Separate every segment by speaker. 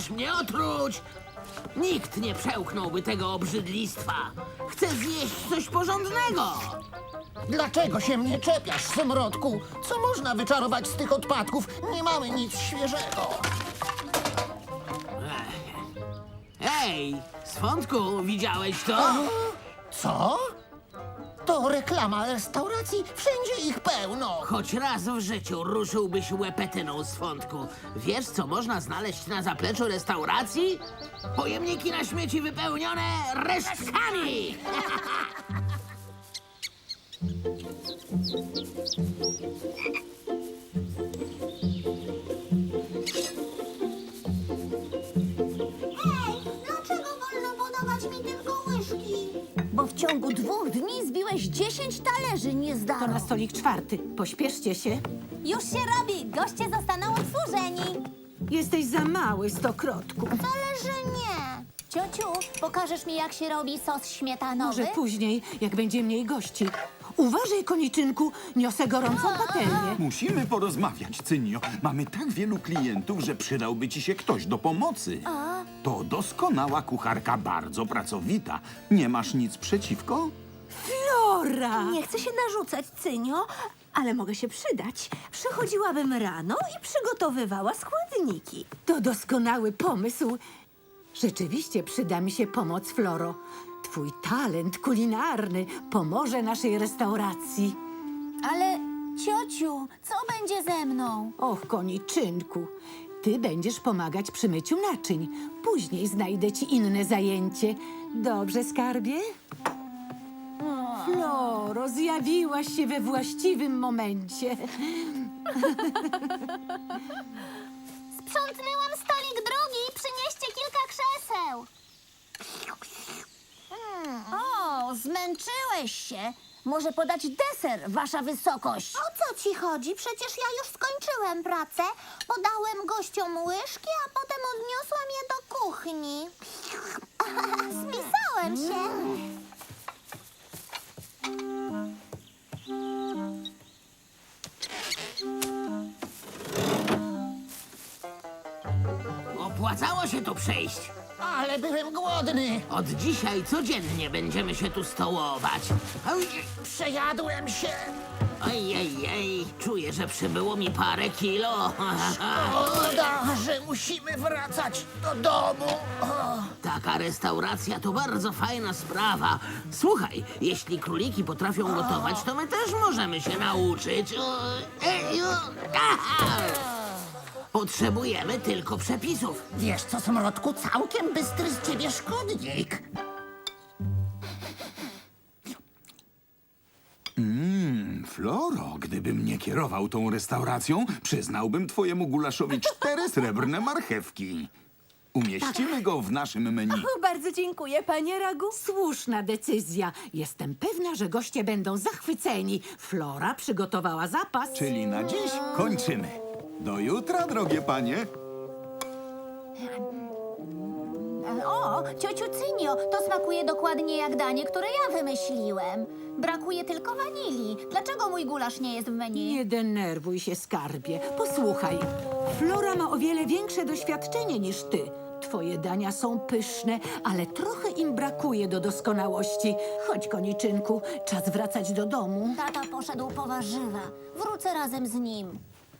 Speaker 1: Chcesz mnie otruć? Nikt nie przełknąłby tego obrzydlistwa. Chcę zjeść coś porządnego.
Speaker 2: Dlaczego się mnie czepiasz, Smrodku? Co można wyczarować z tych odpadków? Nie mamy nic świeżego.
Speaker 1: Ej, Swądku, widziałeś to?
Speaker 2: Co? To reklama restauracji. Wszędzie ich pełno.
Speaker 1: Choć raz w życiu ruszyłbyś łepetyną, Swądku. Wiesz, co można znaleźć na zapleczu restauracji? Pojemniki na śmieci wypełnione resztkami!
Speaker 3: Dlaczego wolno podawać mi tylko łyżki?
Speaker 4: Bo w ciągu 2 dni zbiłeś 10 talerzy, nie
Speaker 5: To
Speaker 4: zdarło.
Speaker 5: na stolik 4. Pośpieszcie się.
Speaker 3: Już się robi. Goście zostaną obsłużeni.
Speaker 5: Jesteś za mały, stokrotku.
Speaker 3: Ale że nie. Ciociu, pokażesz mi, jak się robi sos śmietanowy?
Speaker 5: Może później, jak będzie mniej gości. Uważaj, koniczynku, niosę gorącą patelnię.
Speaker 6: Musimy porozmawiać, Cynio. Mamy tak wielu klientów, że przydałby ci się ktoś do pomocy. To doskonała kucharka, bardzo pracowita. Nie masz nic przeciwko?
Speaker 5: Flora!
Speaker 4: Nie chcę się narzucać, Cynio, ale mogę się przydać. Przychodziłabym rano i przygotowywała składniki.
Speaker 5: To doskonały pomysł. Rzeczywiście przyda mi się pomoc, Floro. Twój talent kulinarny pomoże naszej restauracji.
Speaker 3: Ale ciociu, co będzie ze mną?
Speaker 5: Och, koniczynku, ty będziesz pomagać przy myciu naczyń. Później znajdę ci inne zajęcie. Dobrze, skarbie? Floro, zjawiłaś się we właściwym momencie.
Speaker 3: Sprzątnęłam stolik drugi. Przynieście kilka krzeseł.
Speaker 4: O, zmęczyłeś się. Może podać deser, wasza wysokość.
Speaker 3: O co ci chodzi? Przecież ja już skończyłem pracę. Podałem gościom łyżki, a potem odniosłam je do kuchni. Spisałem się.
Speaker 1: Opłacało się tu przyjść.
Speaker 2: Ale byłem głodny.
Speaker 1: Od dzisiaj codziennie będziemy się tu stołować. Oj,
Speaker 2: Przejadłem się.
Speaker 1: ojej, czuję, że przybyło mi parę kilo.
Speaker 2: Szkoda, że musimy wracać do domu.
Speaker 1: Taka restauracja to bardzo fajna sprawa. Słuchaj, jeśli króliki potrafią gotować, to my też możemy się nauczyć. Potrzebujemy tylko przepisów.
Speaker 2: Wiesz co, Smrodku, całkiem bystry z ciebie szkodnik.
Speaker 6: Floro, gdybym nie kierował tą restauracją, przyznałbym twojemu gulaszowi 4 srebrne marchewki. Umieścimy go w naszym menu.
Speaker 4: Bardzo dziękuję, panie Ragu.
Speaker 5: Słuszna decyzja. Jestem pewna, że goście będą zachwyceni. Flora przygotowała zapas.
Speaker 6: Czyli na dziś kończymy. Do jutra, drogie panie.
Speaker 3: O, ciociu Cynio, to smakuje dokładnie jak danie, które ja wymyśliłem. Brakuje tylko wanilii. Dlaczego mój gulasz nie jest w menu?
Speaker 5: Nie denerwuj się, skarbie. Posłuchaj, Flora ma o wiele większe doświadczenie niż ty. Twoje dania są pyszne, ale trochę im brakuje do doskonałości. Chodź, koniczynku, czas wracać do domu.
Speaker 3: Tata poszedł po warzywa. Wrócę razem z nim.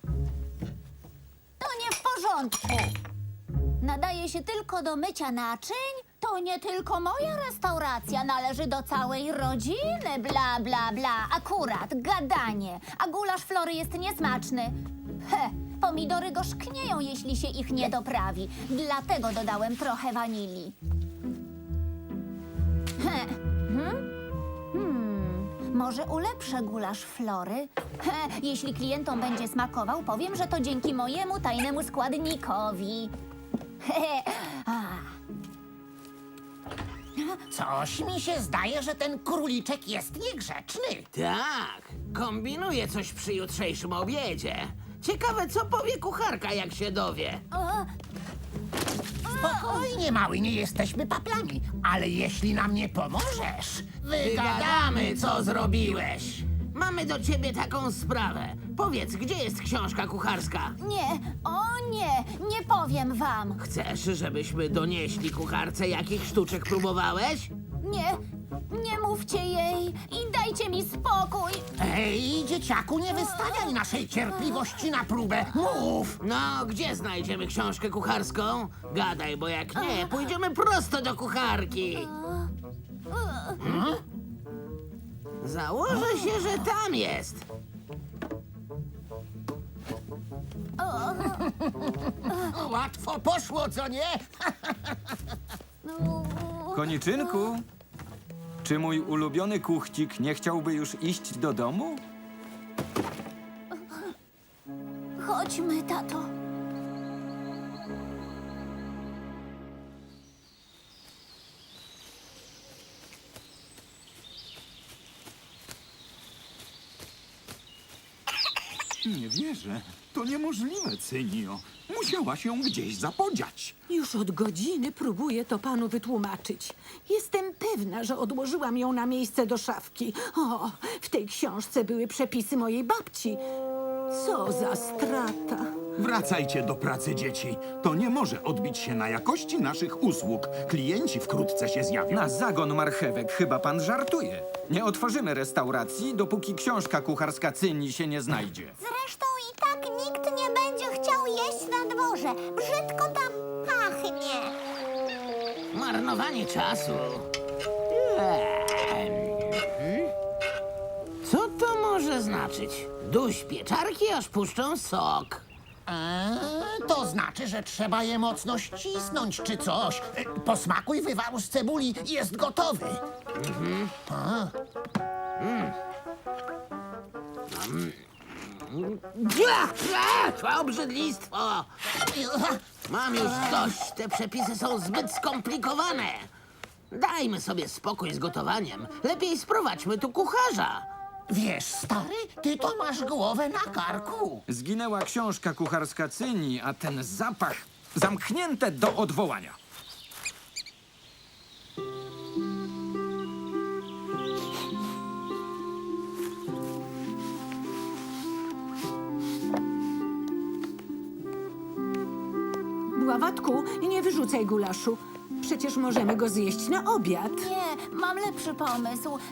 Speaker 3: To nie w porządku. Nadaje się tylko do mycia naczyń? To nie tylko moja restauracja, należy do całej rodziny. Bla, bla, bla. Akurat, gadanie. A gulasz Flory jest niesmaczny. Pomidory gorzknieją, jeśli się ich nie doprawi. Dlatego dodałem trochę wanilii. Może ulepszę gulasz Flory? Jeśli klientom będzie smakował, powiem, że to dzięki mojemu tajnemu składnikowi.
Speaker 2: Coś mi się zdaje, że ten króliczek jest niegrzeczny.
Speaker 1: Tak, kombinuję coś przy jutrzejszym obiedzie. Ciekawe, co powie kucharka, jak się dowie.
Speaker 2: Spokojnie, mały, nie jesteśmy paplami. Ale jeśli nam nie pomożesz,
Speaker 1: Wygadamy, co zrobiłeś. Mamy do ciebie taką sprawę. Powiedz, gdzie jest książka kucharska?
Speaker 3: Nie, o nie, nie powiem wam.
Speaker 1: Chcesz, żebyśmy donieśli kucharce, jakich sztuczek próbowałeś?
Speaker 3: Nie, nie mówcie jej i dajcie mi spokój.
Speaker 2: Ej, dzieciaku, nie wystawiaj naszej cierpliwości na próbę. Mów!
Speaker 1: No, gdzie znajdziemy książkę kucharską? Gadaj, bo jak nie, pójdziemy prosto do kucharki. Założę się, że tam jest.
Speaker 2: Łatwo poszło, co nie?
Speaker 7: Koniczynku, czy mój ulubiony kuchcik nie chciałby już iść do domu?
Speaker 3: Chodźmy, tato.
Speaker 6: Nie wierzę. To niemożliwe, Cynio. Musiała się gdzieś zapodziać.
Speaker 5: Już od godziny próbuję to panu wytłumaczyć. Jestem pewna, że odłożyłam ją na miejsce do szafki. O, w tej książce były przepisy mojej babci. Co za strata.
Speaker 6: Wracajcie do pracy, dzieci. To nie może odbić się na jakości naszych usług. Klienci wkrótce się zjawią.
Speaker 7: Na zagon marchewek chyba pan żartuje. Nie otworzymy restauracji, dopóki książka kucharska Cyni się nie znajdzie.
Speaker 3: Zresztą i tak nikt nie będzie chciał jeść na dworze. Brzydko tam pachnie.
Speaker 1: Marnowanie czasu. Co to może znaczyć? Duś pieczarki, aż puszczą sok.
Speaker 2: To znaczy, że trzeba je mocno ścisnąć czy coś. Posmakuj wywaru z cebuli, jest gotowy.
Speaker 1: Obrzydlistwo! Mam już dość, te przepisy są zbyt skomplikowane. Dajmy sobie spokój z gotowaniem. Lepiej sprowadźmy tu kucharza.
Speaker 2: Wiesz, stary, ty to masz głowę na karku.
Speaker 7: Zginęła książka kucharska Cyni, a ten zapach zamknięte do odwołania.
Speaker 5: Bławatku, nie wyrzucaj gulaszu. Przecież możemy go zjeść na obiad.
Speaker 3: Nie, mam lepszy pomysł.